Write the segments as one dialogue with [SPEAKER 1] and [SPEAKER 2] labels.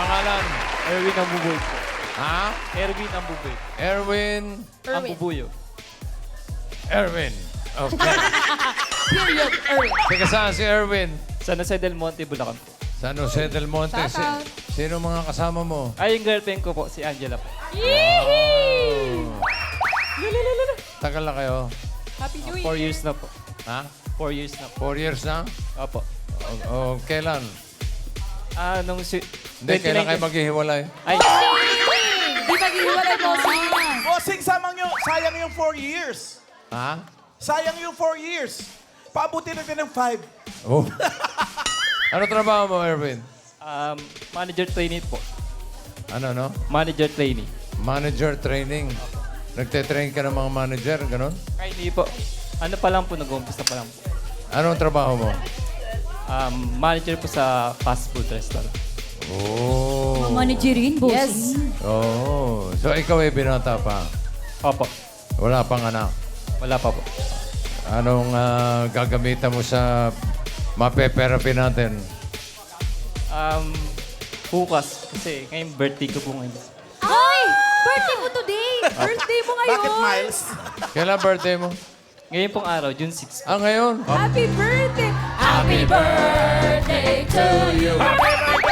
[SPEAKER 1] Pangalan?
[SPEAKER 2] Erwin Ambubuyo po.
[SPEAKER 1] Ha?
[SPEAKER 2] Erwin Ambubuyo.
[SPEAKER 1] Erwin.
[SPEAKER 2] Ambubuyo.
[SPEAKER 1] Erwin. Okay.
[SPEAKER 3] Period, Erwin.
[SPEAKER 1] Teka, saan si Erwin?
[SPEAKER 2] San Jose del Monte, Bulacan po.
[SPEAKER 1] San Jose del Monte.
[SPEAKER 3] Shout out.
[SPEAKER 1] Sino mga kasama mo?
[SPEAKER 2] Ay, yung girlfriend ko po, si Angela po.
[SPEAKER 1] Tagal na kayo?
[SPEAKER 3] Happy New
[SPEAKER 2] 4
[SPEAKER 3] Year.
[SPEAKER 2] years na po.
[SPEAKER 1] Ha?
[SPEAKER 2] 4 years na po.
[SPEAKER 1] 4 years na?
[SPEAKER 2] Opo.
[SPEAKER 1] O kailan?
[SPEAKER 2] Nung
[SPEAKER 1] Hindi, kailan kayo maghihiwalay?
[SPEAKER 2] Ay,
[SPEAKER 3] Di maghihiwalay, bossing.
[SPEAKER 4] Bossing, sayang yung 4 years.
[SPEAKER 1] Ha?
[SPEAKER 4] Sayang yung 4 years. Paabutin natin ng 5.
[SPEAKER 1] Oh. Ano trabaho mo, Erwin?
[SPEAKER 2] manager trainee po.
[SPEAKER 1] Ano, no?
[SPEAKER 2] Manager trainee.
[SPEAKER 1] Manager training. Nagte-train ka ng mga manager, ganon?
[SPEAKER 2] Ay, hindi po. Ano pa lang po, nag-umpisa pa lang po.
[SPEAKER 1] Anong trabaho mo?
[SPEAKER 2] Manager po sa fast food restaurant.
[SPEAKER 1] Oh.
[SPEAKER 5] Managerin,
[SPEAKER 3] Yes.
[SPEAKER 5] bossing.
[SPEAKER 1] Oh. So, ikaw ay binata pa.
[SPEAKER 2] Opo.
[SPEAKER 1] Wala pang anak.
[SPEAKER 2] Wala pa po.
[SPEAKER 1] Anong gagamitan mo sa mape-therapy natin?
[SPEAKER 2] Bukas. Kasi ngayon birthday ko po ngayon.
[SPEAKER 5] Ay! Birthday mo today!
[SPEAKER 3] Birthday mo ngayon.
[SPEAKER 4] Bakit, Miles?
[SPEAKER 1] Kailan birthday mo?
[SPEAKER 2] Ngayon pong araw, June 6.
[SPEAKER 1] Ah, ngayon?
[SPEAKER 3] Happy birthday.
[SPEAKER 5] Happy birthday to you!
[SPEAKER 3] Happy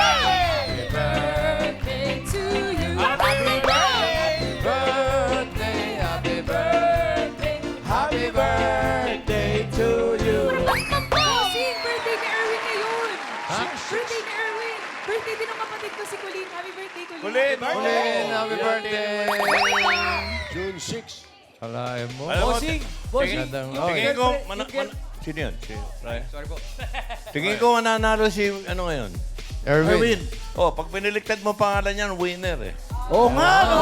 [SPEAKER 3] birthday to you.
[SPEAKER 1] Happy birthday, happy birthday, happy birthday to you.
[SPEAKER 3] Bossing, birthday ni Erwin ngayon.
[SPEAKER 1] Ha?
[SPEAKER 3] Birthday ni Erwin. Birthday din ng kapatid ko si Colleen. Happy birthday, Colleen.
[SPEAKER 4] Colleen,
[SPEAKER 1] Colleen, happy birthday.
[SPEAKER 6] June 6.
[SPEAKER 1] Alain mo.
[SPEAKER 4] Bossing.
[SPEAKER 1] Gandang,
[SPEAKER 4] Tingin ko, sino yun? Sorry po. Tingin ko mananalo si, ano ngayon?
[SPEAKER 1] Erwin.
[SPEAKER 4] Oh, pag piniligtad mo pangalan yan, winner eh.
[SPEAKER 6] Oo nga, no?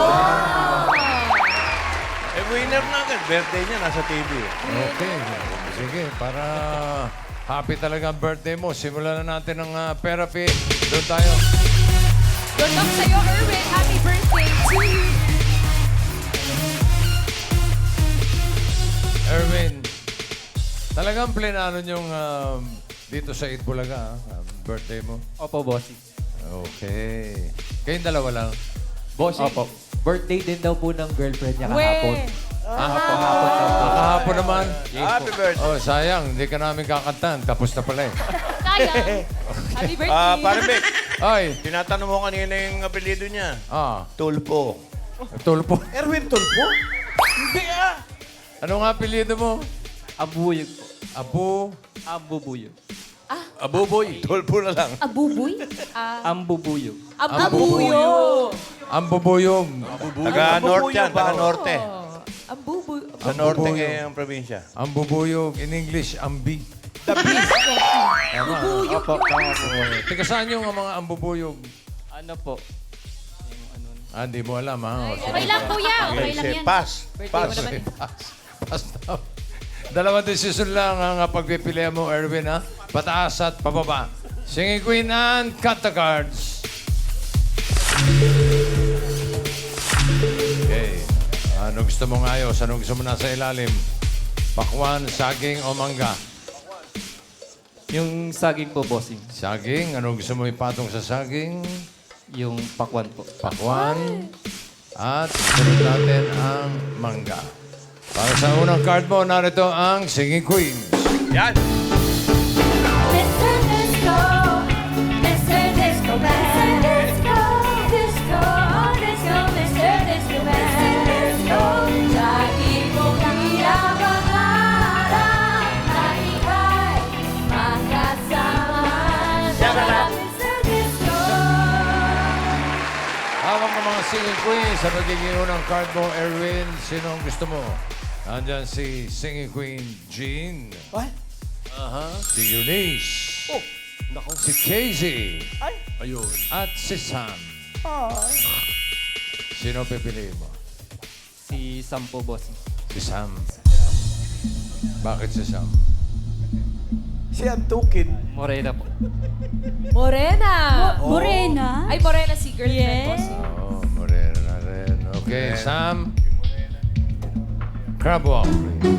[SPEAKER 4] Eh, winner na agad. Birthday niya, nasa TV eh.
[SPEAKER 1] Okay. Sige, para happy talaga ang birthday mo. Simulan na natin ang therapy. Doon tayo.
[SPEAKER 3] Good luck sa'yo, Erwin. Happy birthday to you.
[SPEAKER 1] Erwin, talagang plenano yung dito sa Itbulaga, birthday mo.
[SPEAKER 2] Opo, bossing.
[SPEAKER 1] Okay. Kayong dalawa lang.
[SPEAKER 7] Bossing,
[SPEAKER 2] Opo.
[SPEAKER 7] birthday din daw po ng girlfriend niya
[SPEAKER 3] We.
[SPEAKER 7] kahapon.
[SPEAKER 1] Kahapon naman.
[SPEAKER 4] Happy birthday.
[SPEAKER 1] Oh, sayang. Hindi ka namin kakantahan. Tapos na pala eh.
[SPEAKER 3] Sayang. Happy birthday.
[SPEAKER 4] Pare Vic,
[SPEAKER 1] Ay,
[SPEAKER 4] tinatanong mo kanina yung apelido niya. Tulpo.
[SPEAKER 1] tulpo.
[SPEAKER 4] Erwin Tulpo? Hindi ah.
[SPEAKER 1] Ano nga apelyido mo?
[SPEAKER 2] Ambubuyog po.
[SPEAKER 1] Abu.
[SPEAKER 2] Ambubuyog.
[SPEAKER 4] Abuboy. Tulpo na lang.
[SPEAKER 5] Abuboy?
[SPEAKER 2] Ambubuyog.
[SPEAKER 3] Ambubuyo.
[SPEAKER 1] Ang bubuyog.
[SPEAKER 4] Taga-norte yan, taga-norte.
[SPEAKER 3] Ambubuyo.
[SPEAKER 4] Sa norte ngayon ang probinsya.
[SPEAKER 1] Ang bubuyog. In English, ambi.
[SPEAKER 2] Opo, tama po.
[SPEAKER 1] Teka, saan yung mga ambubuyog?
[SPEAKER 2] Ano po? Yung ano.
[SPEAKER 1] Hindi mo alam, ha? O, sige.
[SPEAKER 5] Okay lang, kuya. Okay lang
[SPEAKER 4] Say
[SPEAKER 5] yan.
[SPEAKER 4] pass. Pass.
[SPEAKER 1] Okay, pass. Pass na. Dalawang desisyon lang ang pagpipilian mo, Erwin, ha? Pataas at pababa. Singing Queen and cut the cards. Okay. Ano gusto mo ngayos? Ano gusto mo nasa ilalim? Pakwan, saging o mangga?
[SPEAKER 2] Yung saging po, bossing.
[SPEAKER 1] Saging. Ano gusto mo ipatong sa saging?
[SPEAKER 2] Yung pakwan po.
[SPEAKER 1] Pakwan. At sunod natin ang mangga. Para sa unang card mo, narito ang Singing Queens.
[SPEAKER 4] Yan.
[SPEAKER 5] Mr. Disco, Mr. Disco Man. Mr. Disco, Disco, Disco, Mr. Disco Man. Disco, lagi kong pinapangarap na ika'y makasama sa Mr. Disco.
[SPEAKER 1] Hawak ng mga Singing Queens sa magiging unang card mo, Erwin. Sino ang gusto mo? Nandyan si Singing Queen Jean.
[SPEAKER 4] What?
[SPEAKER 1] Si Eunice.
[SPEAKER 6] Oh, nako.
[SPEAKER 1] Si Casey.
[SPEAKER 6] Ayun.
[SPEAKER 1] At si Sam. Sino pipiliin mo?
[SPEAKER 2] Si Sam po, bossing.
[SPEAKER 1] Si Sam. Bakit si Sam?
[SPEAKER 4] Si Antukin.
[SPEAKER 2] Morena po.
[SPEAKER 3] Morena.
[SPEAKER 5] Morena?
[SPEAKER 3] Ay, Morena si girlfriend,
[SPEAKER 5] Yeah.
[SPEAKER 3] bossing.
[SPEAKER 1] Oh, morena na rin. Okay, Sam. Crab walk, please.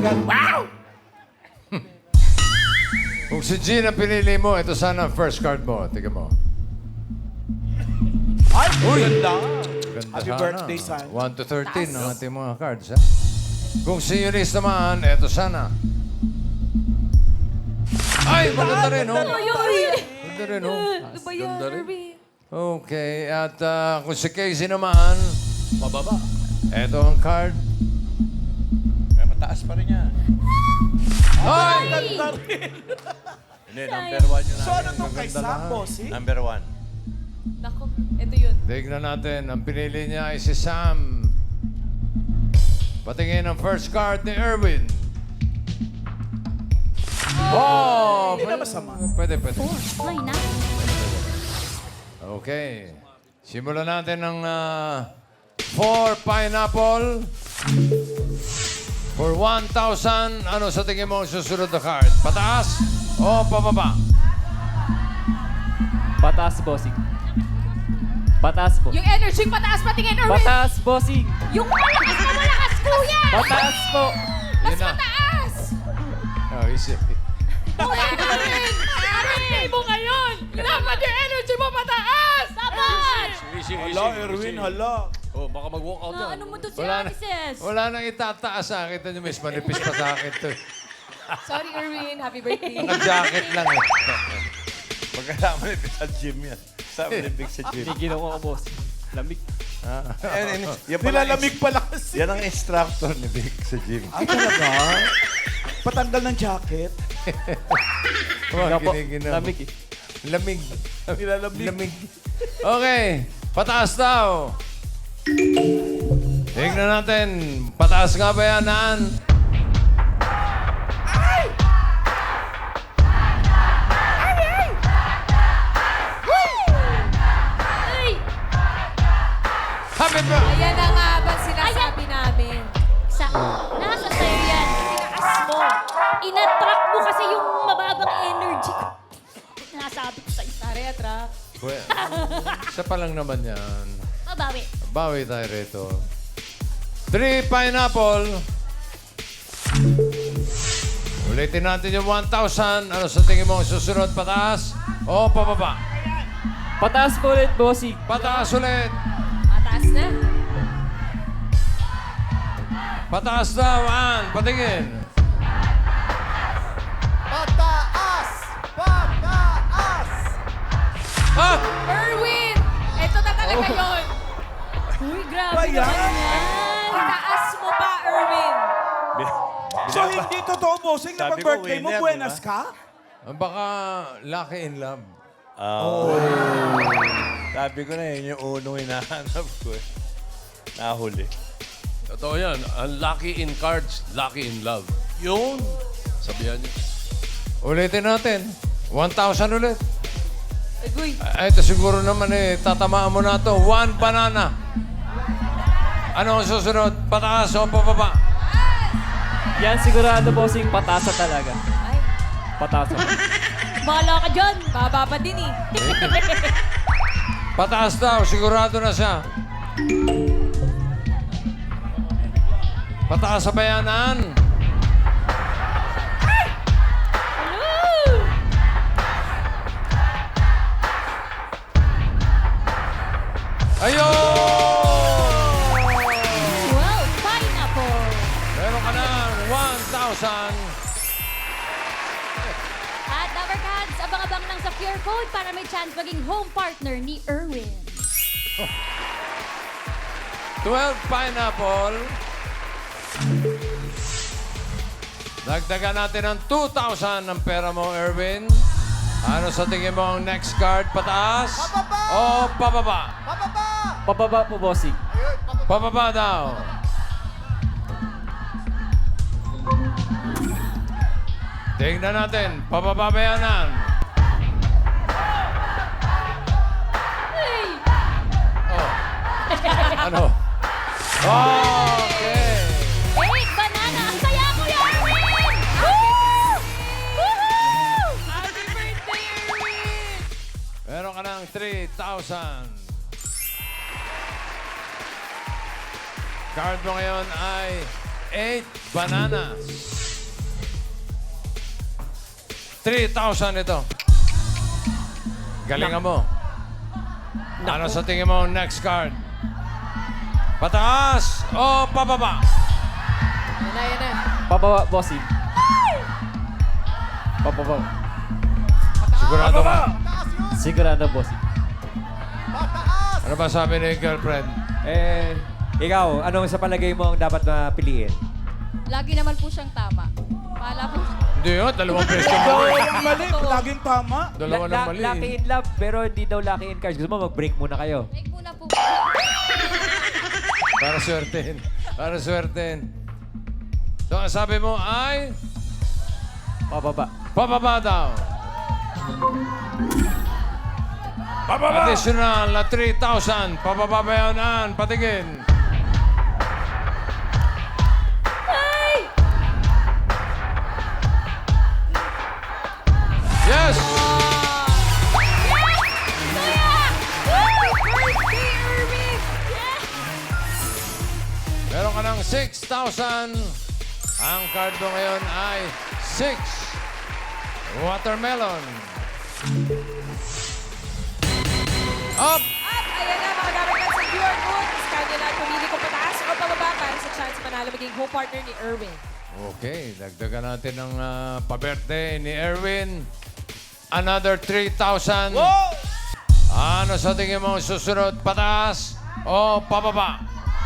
[SPEAKER 8] agad. Wow!
[SPEAKER 1] Kung si Gina pinili mo, ito sana ang first card mo. Tingnan mo.
[SPEAKER 8] Ay, ganda.
[SPEAKER 1] Ganda
[SPEAKER 8] Happy
[SPEAKER 1] sana.
[SPEAKER 8] birthday, son.
[SPEAKER 1] 1 to 13 ang ating mga cards, ha? Kung si Eunice naman, ito sana. Ay, maganda rin, oh. Maganda rin, oh.
[SPEAKER 3] Ano ba yan, Irwin?
[SPEAKER 1] Okay, at kung si Casey naman,
[SPEAKER 6] Mababa.
[SPEAKER 1] ito ang card.
[SPEAKER 4] May mataas pa rin yan.
[SPEAKER 1] Ay!
[SPEAKER 8] Ganda rin.
[SPEAKER 4] Hindi, number 1 yun.
[SPEAKER 8] So ano to kay Sam, bossing?
[SPEAKER 4] Number 1.
[SPEAKER 3] Nako, ito yun.
[SPEAKER 1] Tignan natin, ang pinili niya ay si Sam. Patingin ang first card ni Erwin. Oh!
[SPEAKER 8] Hindi na masama.
[SPEAKER 1] Pwede, pwede.
[SPEAKER 5] Ay, na.
[SPEAKER 1] Okay. Simulan natin ng 4 pineapple. For 1,000, ano sa tingin mo ang susunod na card? Pataas o pababa?
[SPEAKER 2] Pataas, bossing. Pataas po.
[SPEAKER 3] Yung energy pataas patingin, Irwin.
[SPEAKER 2] Pataas, bossing.
[SPEAKER 3] Yung malakas na malakas, kuya.
[SPEAKER 2] Pataas po.
[SPEAKER 3] Mas
[SPEAKER 1] Yun na.
[SPEAKER 3] mataas.
[SPEAKER 1] Oh, easy.
[SPEAKER 3] Kuya, Irwin. Birthday mo ngayon. Dapat yung energy mo pataas. Dapat.
[SPEAKER 6] Easy,
[SPEAKER 8] Hala, Erwin, hala.
[SPEAKER 6] Oh, baka mag-walk out yan.
[SPEAKER 5] Ano mo to si
[SPEAKER 1] Wala na,
[SPEAKER 5] Amises?
[SPEAKER 1] wala nang itataas sa akin. Ito nyo, miss. Manipis pa sa akin to.
[SPEAKER 3] Sorry, Irwin. Happy birthday.
[SPEAKER 1] Naka-jacket lang eh.
[SPEAKER 4] Pagkasama ni Big sa gym yan. Sama ni Big sa gym.
[SPEAKER 2] Tigil ako, bossing. Lamig.
[SPEAKER 4] Yan pala
[SPEAKER 8] Nilalamig pala kasi.
[SPEAKER 4] Yan ang instructor ni Big sa gym.
[SPEAKER 8] Ah, talaga? Patanggal ng jacket.
[SPEAKER 2] Wala po.
[SPEAKER 1] Kinikinig.
[SPEAKER 2] Lamig eh.
[SPEAKER 1] Lamig.
[SPEAKER 8] Nilalamig.
[SPEAKER 1] Lamig. Okay. Pataas daw. Tingnan natin. Pataas nga ba yan, Naan?
[SPEAKER 5] Ay!
[SPEAKER 1] Happy birthday!
[SPEAKER 3] Ayan na nga ba sinasabi namin.
[SPEAKER 5] Nasa sa'yo yan. Tinaas mo. Inattract mo kasi yung mababang energy ko. Nasabi ko sa'yo.
[SPEAKER 3] Tara, atrak.
[SPEAKER 1] Isa pa lang naman yan.
[SPEAKER 5] Mabawi.
[SPEAKER 1] Bawi tayo rito. 3 pineapple. Ulitin natin yung 1,000. Ano sa tingin mo ang susunod? Pataas o pababa?
[SPEAKER 2] Pataas po ulit, bossing.
[SPEAKER 1] Pataas ulit.
[SPEAKER 3] Mataas na.
[SPEAKER 1] Pataas daw, An. Patingin.
[SPEAKER 8] Pataas! Pataas!
[SPEAKER 1] Ah!
[SPEAKER 3] Irwin! Ito na talaga yun.
[SPEAKER 5] Uy, grabe
[SPEAKER 8] Ba yan?
[SPEAKER 5] naman yan.
[SPEAKER 3] Itaas mo pa, Irwin.
[SPEAKER 8] So hindi totoo, bossing, na
[SPEAKER 4] Sabi ko,
[SPEAKER 8] pag-birthday mo,
[SPEAKER 4] winner,
[SPEAKER 8] buenas
[SPEAKER 4] diba?
[SPEAKER 8] ka?
[SPEAKER 1] Baka lucky in love.
[SPEAKER 4] Sabi ko na yun yung unong hinahanap ko eh. Nahuli.
[SPEAKER 6] Totoo yan. Unlucky in cards, lucky in love. Yun. Sabihan niyo.
[SPEAKER 1] Ulitin natin. 1,000 ulit.
[SPEAKER 3] Agoy.
[SPEAKER 1] Ito siguro naman eh, tatamaan mo na to. 1 banana. Ano ang susunod? Pataas o pababa?
[SPEAKER 2] Yan sigurado, bossing. Pataas na talaga.
[SPEAKER 3] Ay,
[SPEAKER 2] Pataas na.
[SPEAKER 5] Bahala ka dyan.
[SPEAKER 3] baba pa din eh.
[SPEAKER 1] Pataas daw, sigurado na siya. Pataas sa bayanan. Ayun!
[SPEAKER 5] Wow, pineapple.
[SPEAKER 1] Meron ka ng 1,000.
[SPEAKER 5] At Lover Cats, abang-abang lang sa QR code para may chance maging home partner ni Erwin.
[SPEAKER 1] 12 pineapple. Dagdagan natin ng 2,000 ng pera mo, Erwin. Ano sa tingin mo ang next card? Pataas? O pababa?
[SPEAKER 2] Pababa po, bossing.
[SPEAKER 1] Pababa daw. Tingnan natin. Pababa ba yan, Nan?
[SPEAKER 5] Hey!
[SPEAKER 1] Oh. Ano? Okay.
[SPEAKER 5] Hey, banana! Ang saya ko yan, Erwin! Woo! Woohoo!
[SPEAKER 3] Happy birthday, Irwin!
[SPEAKER 1] Meron ka ng 3,000. Card mo ngayon ay 8 bananas. 3,000 ito. Galingan mo. Ano sa tingin mo next card? Pataas o pababa?
[SPEAKER 3] Yan na, yan na.
[SPEAKER 7] Pababa, bossing. Pababa.
[SPEAKER 1] Sigurado ka?
[SPEAKER 7] Sigurado, bossing.
[SPEAKER 1] Ano ba sabi ni girlfriend?
[SPEAKER 7] Ikaw, anong sa palagay mo ang dapat na piliin?
[SPEAKER 5] Lagi naman po siyang tama. Pala po.
[SPEAKER 1] Hindi yun, dalawang pwesto mo.
[SPEAKER 8] Dalawang mali, laging tama.
[SPEAKER 1] Dalawa ng mali.
[SPEAKER 7] Lucky in love, pero hindi daw lucky in cards. Gusto mo mag-break muna kayo.
[SPEAKER 5] Break muna po.
[SPEAKER 1] Para swertein. Para swertein. So, ang sabi mo ay
[SPEAKER 7] Pababa.
[SPEAKER 1] pababa daw.
[SPEAKER 8] Pababa!
[SPEAKER 1] Additional na 3,000. Pababa ba yun, Ann? Patingin. Yes! Meron ka ng 6,000. Ang card mo ngayon ay 6 watermelon. Up!
[SPEAKER 3] At ayan na, mga Dabarkad sa QR Goods. Kanya na pumili kung pataas o pababa para sa chance manalo maging home partner ni Erwin.
[SPEAKER 1] Okay, dagdagan natin ng pa-birthday ni Erwin. Another 3,000. Ano sa tingin mo susunod? Pataas o pababa?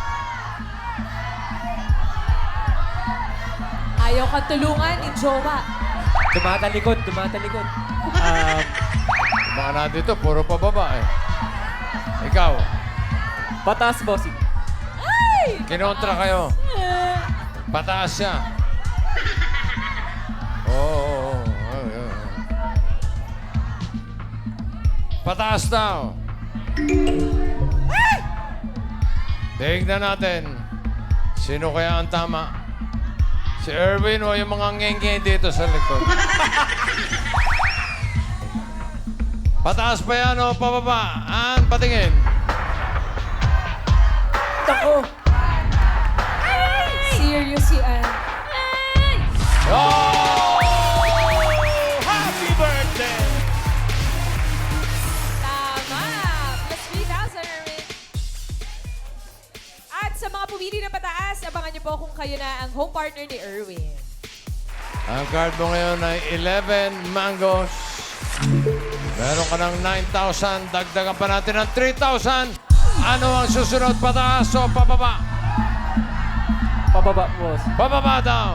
[SPEAKER 3] Ayaw kang tulungan ni Jowa.
[SPEAKER 7] Tumatalikod, tumatalikod.
[SPEAKER 1] Baka na dito, puro pababa eh. Ikaw,
[SPEAKER 7] Pataas, bossing.
[SPEAKER 1] kinontra kayo. Pataas siya. Oo. Pataas daw. Tingnan natin. Sino kaya ang tama? Si Erwin o yung mga ngenge dito sa likod? Pataas ba yan o pababa? An, patingin.
[SPEAKER 7] Tako!
[SPEAKER 3] Serious si Ann.
[SPEAKER 1] Oh!
[SPEAKER 8] Happy birthday!
[SPEAKER 3] Tama! Plus 3,000, Erwin. At sa mga pumili na pataas, abangan niyo po kung kayo na ang home partner ni Erwin.
[SPEAKER 1] Ang card mo ngayon ay 11 mangoes. Meron ka ng 9,000. Dagdagan pa natin ng 3,000. Ano ang susunod? Pataas o pababa?
[SPEAKER 7] Pababa, boss.
[SPEAKER 1] Pababa daw.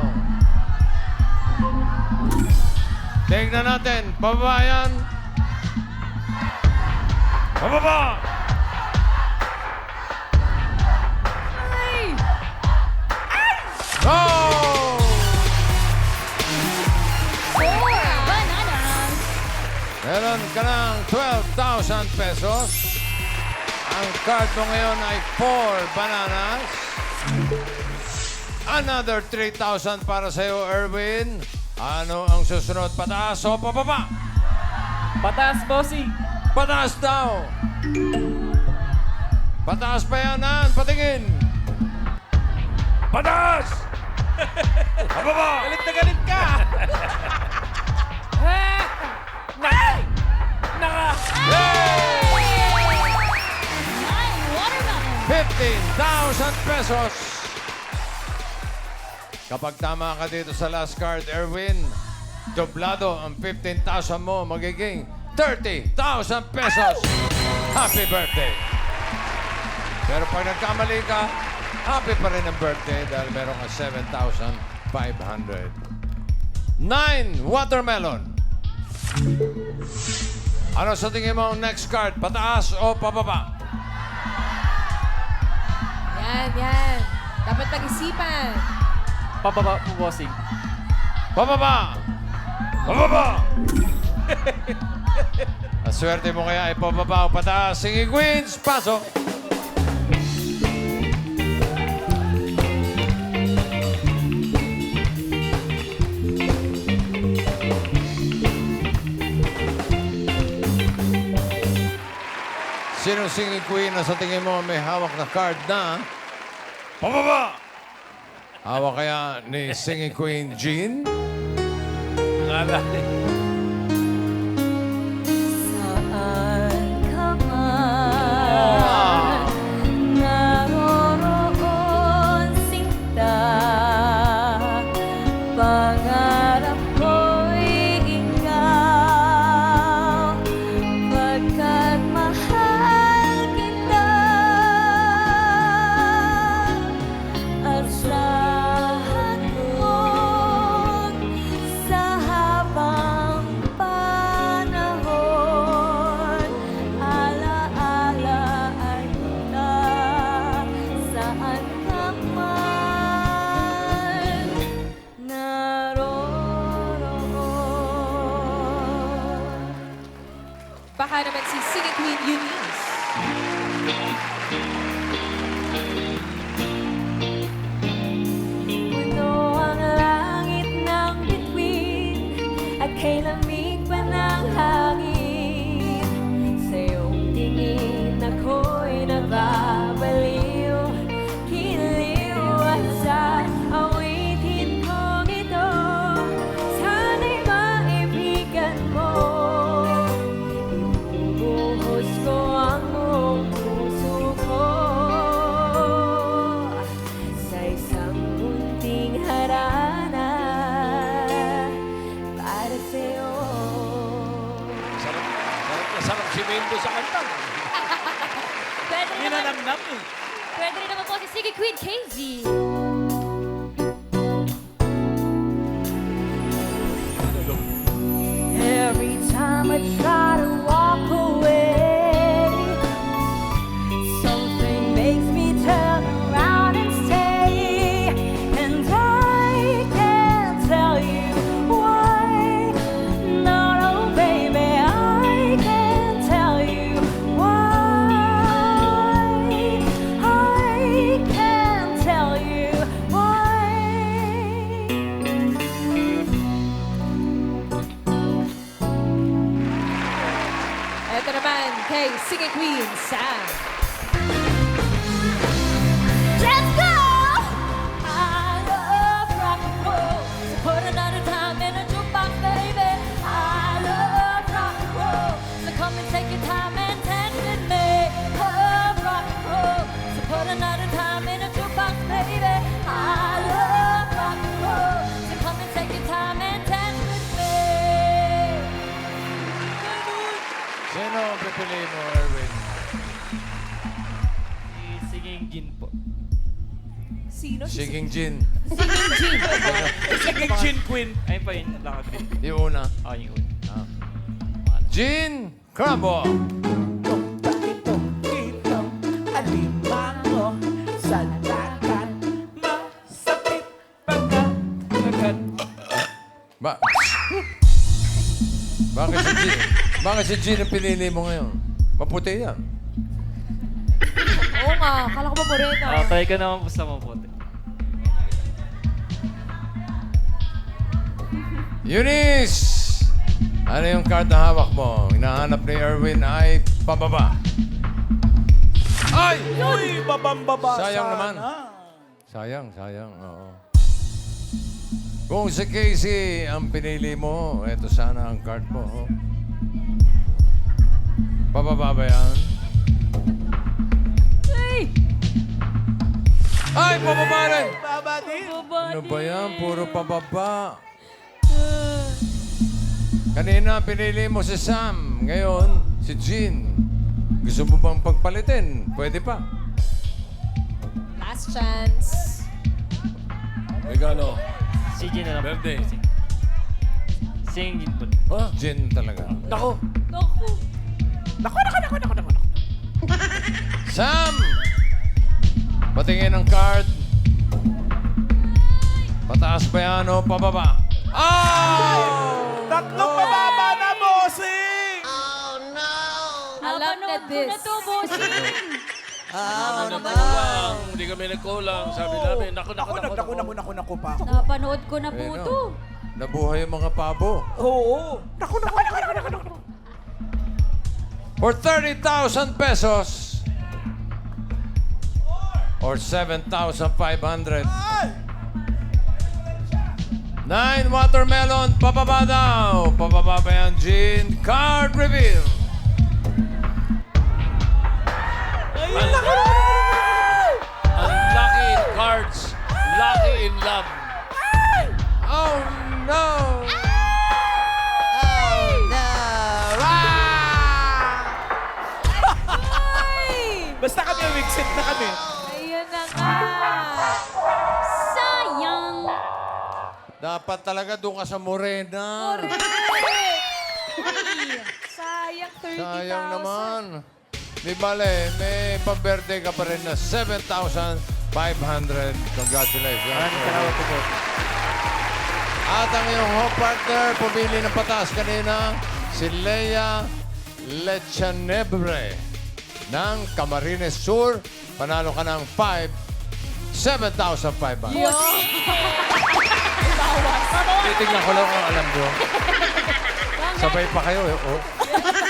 [SPEAKER 1] Tingnan natin. Pababa yan. Pababa! Go!
[SPEAKER 5] Bananas.
[SPEAKER 1] Meron ka ng 12,000 pesos. Ang card mo ngayon ay 4 bananas. Another 3,000 para sa iyo, Erwin. Ano ang susunod? Pataas o pababa?
[SPEAKER 7] Pataas, bossing.
[SPEAKER 1] Pataas daw. Pataas pa yan, Ann. Patingin. Pataas! Pababa!
[SPEAKER 8] Galit na galit ka!
[SPEAKER 5] Nine watermelon.
[SPEAKER 1] 15,000 pesos. Kapag tama ka dito sa last card, Erwin, doblado ang 15,000 mo, magiging 30,000 pesos. Happy birthday! Pero pag nagkamali ka, happy pa rin ang birthday dahil meron ka 7,500. 9 watermelon. Ano sa tingin mo ang next card? Pataas o pababa?
[SPEAKER 3] Yan. Dapat pag-isipan.
[SPEAKER 7] Pababa po, bossing.
[SPEAKER 1] Pababa! Pababa! Ang swerte mo kaya ay pababa o pataas. Sige, Queens, pasok! Sinong singing queen na sa tingin mo may hawak na card na pababa? Hawak kaya ni Singing Queen Jean?
[SPEAKER 6] Akala
[SPEAKER 5] Saan ka man naroroon sinta, pangarap ko'y ikaw, pagkat mahal kita. Asahan mo sa habang panahon, ala-alaan kita saan ka man naroroon.
[SPEAKER 3] Baka naman si Singing Queen Eunice.
[SPEAKER 5] Puno ang langit ng bituin at kay lamig pa ng hangin. Sa iyong tingin ako'y nababaliw, kiliw at sa awitin kong ito, sana'y maibigan mo. Ibubuhos ko ang buong puso ko sa isang munting harana para sa'yo.
[SPEAKER 6] sarap si Mendo sa kanta.
[SPEAKER 3] Pwede rin naman,
[SPEAKER 8] Ninanamnam eh.
[SPEAKER 3] pwede rin naman po si Singing Queen Casey.
[SPEAKER 5] Every time I try to walk away, something makes me turn around and stay. And I can't tell you why. No, no, baby, I can't tell you why. I can't tell you why.
[SPEAKER 3] Ito naman kay Singing Queen Sam.
[SPEAKER 5] Let's go! I love rock and roll. So put another time in a jukebox, baby. I love rock and roll. So come and take your time and dance with me. Love rock and roll. So put another time in a jukebox, baby. I love rock and roll. So come and take your time and dance with me.
[SPEAKER 1] Sino ang pipiliin mo, Erwin?
[SPEAKER 2] Si Singing Jean po.
[SPEAKER 3] Sino?
[SPEAKER 1] Singing Jean.
[SPEAKER 3] Singing Jean.
[SPEAKER 8] Sige, Chin Queen.
[SPEAKER 2] Ayun pa yun, lakad din.
[SPEAKER 1] Yung una.
[SPEAKER 2] Yung una.
[SPEAKER 1] Jean Crumbo.
[SPEAKER 8] Itong alimango sa dagat, masakit pagkat
[SPEAKER 1] Ba? Bakit si Jean? Bakit si Jean ang pinili mo ngayon? Maputi yan.
[SPEAKER 3] Oo nga, kala ko ba morena?
[SPEAKER 2] Try ko naman po sa maputi.
[SPEAKER 1] Eunice! Ano yung card na hawak mo? Hinahanap ni Erwin ay pababa. Ay!
[SPEAKER 8] Uy, babang-baba
[SPEAKER 1] Sayang
[SPEAKER 8] sana.
[SPEAKER 1] naman. Sayang. Oo. Kung si Casey ang pinili mo, eto sana ang card mo. Oh. Pababa ba yan? Ay, pababa rin!
[SPEAKER 8] Baba din.
[SPEAKER 1] Ano ba yan? Puro pababa. Kanina pinili mo si Sam. Ngayon, si Jean. Gusto mo bang pagpalitin? Pwede pa.
[SPEAKER 3] Last chance.
[SPEAKER 6] Regalo.
[SPEAKER 2] Si Jean na lang po.
[SPEAKER 6] Birthday.
[SPEAKER 2] Singing Jean po.
[SPEAKER 6] Ha?
[SPEAKER 1] Jean talaga.
[SPEAKER 6] Nako.
[SPEAKER 3] Naku.
[SPEAKER 8] Nako.
[SPEAKER 1] Sam! Patingin ang card. Pataas ba yan o pababa? Oh!
[SPEAKER 8] Tatlong pababa na, bossing!
[SPEAKER 3] Alam na this.
[SPEAKER 6] Nagkulang. Hindi kami nagkulang. Sabi namin, naku.
[SPEAKER 8] Naku pa.
[SPEAKER 3] Napanood ko na po
[SPEAKER 1] Ayun,
[SPEAKER 3] to.
[SPEAKER 1] oh. Nabuhay yung mga pabo.
[SPEAKER 8] Oo. Naku.
[SPEAKER 1] For 30,000 pesos or 7,500,
[SPEAKER 8] Ay!
[SPEAKER 1] 9 watermelon, pababa daw. Pababa ba yan, Jean? Card reveal.
[SPEAKER 6] Unlucky in cards, lucky in love.
[SPEAKER 1] Oh, no.
[SPEAKER 8] Basta kami, wigsit na kami.
[SPEAKER 5] Ayun na nga. Sayang.
[SPEAKER 1] Dapat talaga doon ka sa Morena.
[SPEAKER 5] Sayang 30,000.
[SPEAKER 1] Sayang naman. Di bale, may pa-birthday ka pa rin na 7,500. Congratulations.
[SPEAKER 7] Maraming salamat po.
[SPEAKER 1] At ang iyong home partner, pumili ng patas kanina, si Leia Lechanebre ng Camarines Sur. Panalo ka ng 7,500. Titignan ko lang kung alam mo. Sabay pa kayo. Eh. Oh.